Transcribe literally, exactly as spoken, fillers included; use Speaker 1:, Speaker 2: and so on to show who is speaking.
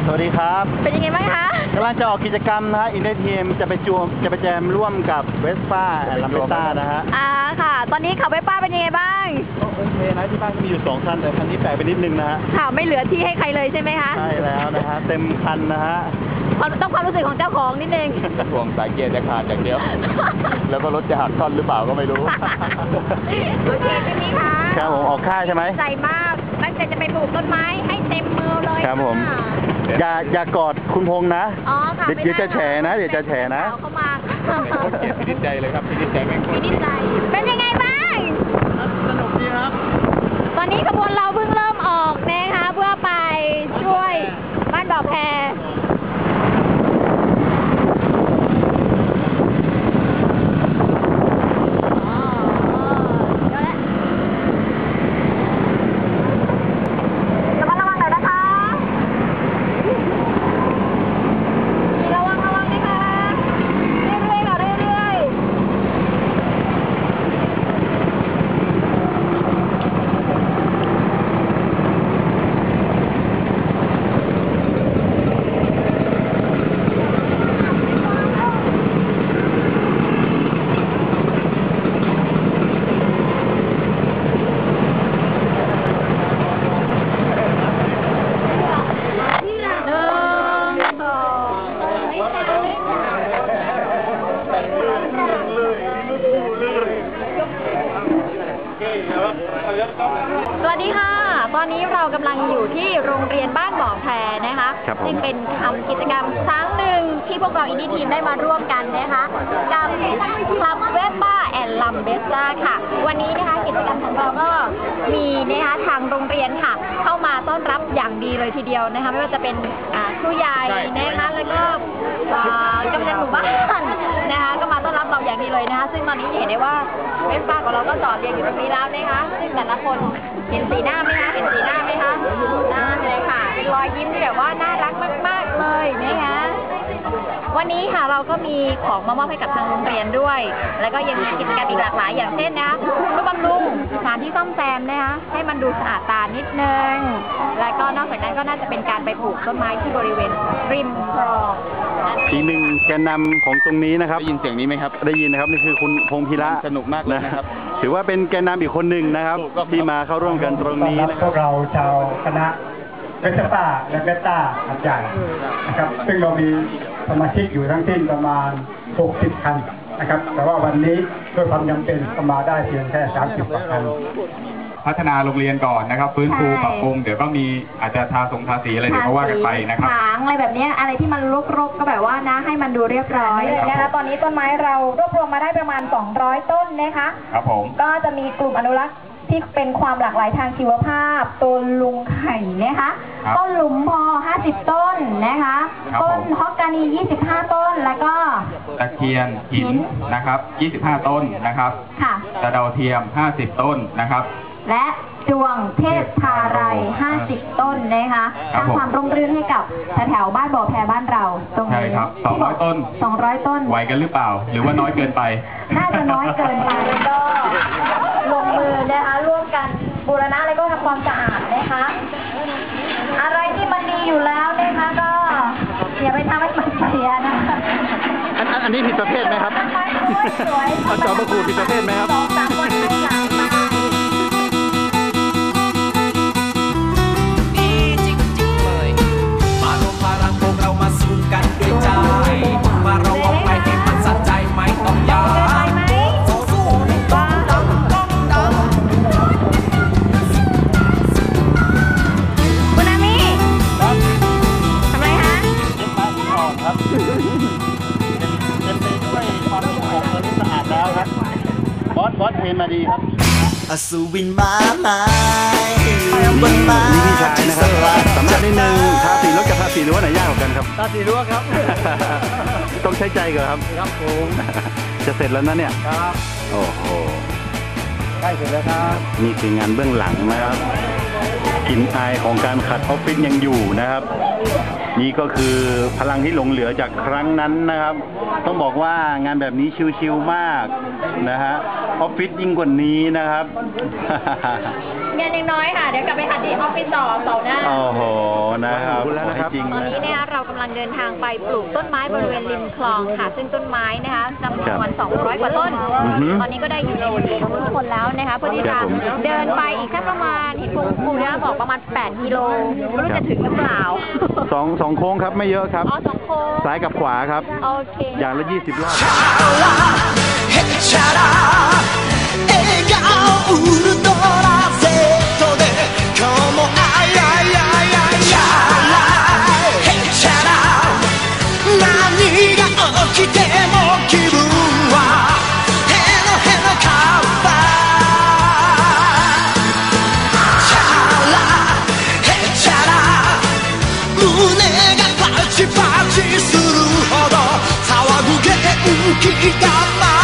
Speaker 1: วัสดีครับ
Speaker 2: เป็นยังไงบ้างคะ
Speaker 1: กำลังจะออกกิจกรรมนะฮะอินเดียทีมจะไปจวมจะไปแจมร่วมกับเวสป้าลัมเบต้านะฮะ
Speaker 2: อ่าค่ะตอนนี้ขับเวสป้าเป็นยังไงบ้าง
Speaker 1: ก็โอเคนะที่บ้านมีอยู่สองคันแต่คันนี้แปลกไปนิดนึงนะฮะ
Speaker 2: ค่ะไม่เหลือที่ให้ใครเลยใช่ไหมคะ
Speaker 1: ใช่แล้วนะฮะเต็มคันนะฮะ
Speaker 2: ต้องความรู้สึกของเจ้าของนิดนึง
Speaker 3: ห่วงสายเกียร์จะขาดอย่างเดียวแล้วก็รถจะหักท่อนหรือเปล่าก็ไม่รู้
Speaker 2: โอเคพี่นี้ค่ะ
Speaker 1: ครับผมออกค่าใช่ไหม
Speaker 2: ใจมากตั้งใจจะไปปลูกต้นไม้ให้เต็มมือเลย
Speaker 1: ครับผมอย่าอย่ากอดคุณพงษ์นะ
Speaker 2: อ๋อค่ะ
Speaker 1: เดี๋ยวจะแฉนะเดี๋ยวจะแฉนะ
Speaker 2: เข้ามา
Speaker 3: เกียร์พินิจใจเลยครับพินิจใจแม่ง
Speaker 2: พินิจใจเป็นยังไงบ้าง
Speaker 1: สนุกดีครับ
Speaker 2: ตอนนี้ขบวนเราเพิ่งเริ่มออกนะคะเพื่อไปช่วยบ้านบ่อแพสวัสดีค่ะตอนนี้เรากำลังอยู่ที่โรงเรียนบ้านบ่อแพนะคะซึ่งเป็นทำกิจกรรมครั้งหนึ่งที่พวกเราอินดี้ทีมได้มาร่วมกันนะคะกับคลับเวสป้าแอนลัมเบซ่าค่ะวันนี้นะคะกิจกรรมของเราก็มีนะคะทางโรงเรียนค่ะเข้ามาต้อนรับอย่างดีเลยทีเดียวนะคะไม่ว่าจะเป็นครูใหญ่นะคะแล้วก็กำนันหมู่บ้านนะคะก็มาต้อนรับเราอย่างดีเลยนะคะซึ่งตอนนี้เห็นได้ว่าเวสป้าของเราก็จอดเรียงอยู่ตรงนี้แล้วนะคะซึ่งแต่ละคนเห็นสีหน้าไหมคะเห็นสีหน้าไหมคะน่าเลยค่ะเป็นรอยยิ้มที่แบบว่าน่ารักมากๆเลยนะคะวันนี้ค่ะเราก็มีของมามอบให้กับทางโรงเรียนด้วยแล้วก็ยังมีกิจกรรมอีกหลากหลายอย่างเช่นนะคะก็บำรุงสถานที่ซ่อมแซมนะคะให้มันดูสะอาดตานิดนึงแล้วก็นอกจากนั้นก็น่าจะเป็นการไปปลูกต้นไม้ที่บริเวณริมคลอง
Speaker 1: อีกหนึ่งแกนนำของตรงนี้นะครับ
Speaker 3: ได้ยินเสียงนี้ไหมครับ
Speaker 1: ได้ยินนะครับนี่คือคุณพงษ์พิระ
Speaker 3: สนุกมากเลยนะครับ
Speaker 1: ถือว่าเป็นแกนนำอีกคนหนึ่งนะครับที่มาเข้าร่วมกันตรงนี้นะ
Speaker 4: พวกเราชาวคณะเวสป้าและเวสต้าหัดใหญ่นะครับซึ่งเรามีสมาชิกอยู่ทั้งสิ้นประมาณหกสิบคันนะครับแต่ว่าวันนี้ด้วยความจำเป็นก็มาได้เพียงแค่สามสิบกว่าคัน
Speaker 5: พัฒนาโรงเรียนก่อนนะครับฟื้นฟูปรับปรุงเดี๋ยวก็มีอาจจะทาทรงทาสีอะไรเดี๋ยวก็ว่ากันไปนะครับ
Speaker 2: ถางอะไรแบบนี้อะไรที่มันรกๆก็แบบว่านะให้มันดูเรียบร้อยนะคะตอนนี้ต้นไม้เรารวบรวมมาได้ประมาณสองร้อยต้นนะคะ
Speaker 5: ครับผม
Speaker 2: ก็จะมีกลุ่มอนุรักษ์ที่เป็นความหลากหลายทางชีวภาพต้นลุงไข่นะคะต้นหลุมพอห้าสิบต้นนะคะต้นฮอกกานียี่สิบห้าต้นแล้วก็
Speaker 5: ตะเคียนหินนะครับยี่สิบห้าต้นนะครับ
Speaker 2: ค่ะ
Speaker 5: ตะเดาเทียมห้าสิบต้นนะครับ
Speaker 2: และดวงเทพทาไรห้าสิบต้นนะคะสร้างความร่มรื่นให้กับแถวบ้านบ่อแพบ้านเราตรงนี้
Speaker 5: ใช่ครับสองร้อยต้น
Speaker 2: สองร้อยต้น
Speaker 5: ไหวกันหรือเปล่าหรือว่าน้อยเกินไป
Speaker 2: น่าจะน้อยเกินไปก็ลงมือนะคะร่วมกันบูรณะแล้วก็ทำความสะอาดนะคะอะไรที่มันดีอยู่แล้วนะคะก็อย่าไปทำให้มันเสียนะคะ
Speaker 1: อันอันนี้ผิดประเภทไหมครับเอาจอประกูผิดประเภทไหมครับ
Speaker 2: สองสามวันให้หลังมา
Speaker 6: กันด้วยใจมาเราเอาไปให้มันสะใจไม่ต้องยาสู้สู้ต้องดังต้องดัง
Speaker 2: คุณอามี่ทำไรคะ
Speaker 1: เย็บผ้าสีอ่อนครับเต็มไปด้วยความสกปรกและสะอาดแล้วครับบอสบอสเทรนมาดีครับ
Speaker 6: อสูวินมาไม้บนมา
Speaker 1: วิธีใช้นะครับสำคัญนิดนึงทาสีรถกับทาสีรั้วไหนยากกว่ากันครับ
Speaker 4: ทาสีรั้วครับ
Speaker 1: ต้องใช้ใจก่อนครับ
Speaker 4: ครับผม
Speaker 1: จะเสร็จแล้วนะเนี่ย
Speaker 4: ครับ
Speaker 1: โอ้โห
Speaker 4: ใกล้เสร็จแล้วครับ
Speaker 1: นี่คืองานเบื้องหลังนะครับกลิ่นอายของการขัดออฟฟิศยังอยู่นะครับนี่ก็คือพลังที่หลงเหลือจากครั้งนั้นนะครับต้องบอกว่างานแบบนี้ชิลๆมากนะฮะออฟฟิศยิ่งกว่านี้นะครับ
Speaker 2: งานยังน้อยค่ะเดี๋ยวกลับไปหัดที่ออฟฟิศต่อเสาร์หน้า
Speaker 1: โอ้โหนะครับขอบคุณแล้วนะครับ
Speaker 2: ตอนนี้เนี่ยเรากำลังเดินทางไปปลูกต้นไม้บริเวณริมคลองค่ะ ซึ่งต้นไม้นะคะจำนวนสองร้อยกว่าต้น
Speaker 1: อือฮึ
Speaker 2: ตอนนี้ก็ได้อยู่ในมือของทุกคนแล้วนะคะเพื่อที่
Speaker 1: ครั
Speaker 2: จะ
Speaker 1: บผม
Speaker 2: เดินไปอีกแค่ประมาณเห็นคุณครูเนี่ยบอกประมาณแปดกิโลไม่รู้จะถึงหรือเปล่า
Speaker 1: สองสองโค้งครับไม่เยอะครับ
Speaker 2: อ๋อสองโค้ง
Speaker 1: ซ้ายกับขวาครับ
Speaker 2: โอเค
Speaker 1: อย่างละยี่สิบรอบ
Speaker 6: へっちゃら笑顔ウルトラセットで今日もあいあいあいあいチャラへっちゃら何が起きても気分はへのへのカッパチャラへっちゃら胸がパチパチするほど騒ぐ元気が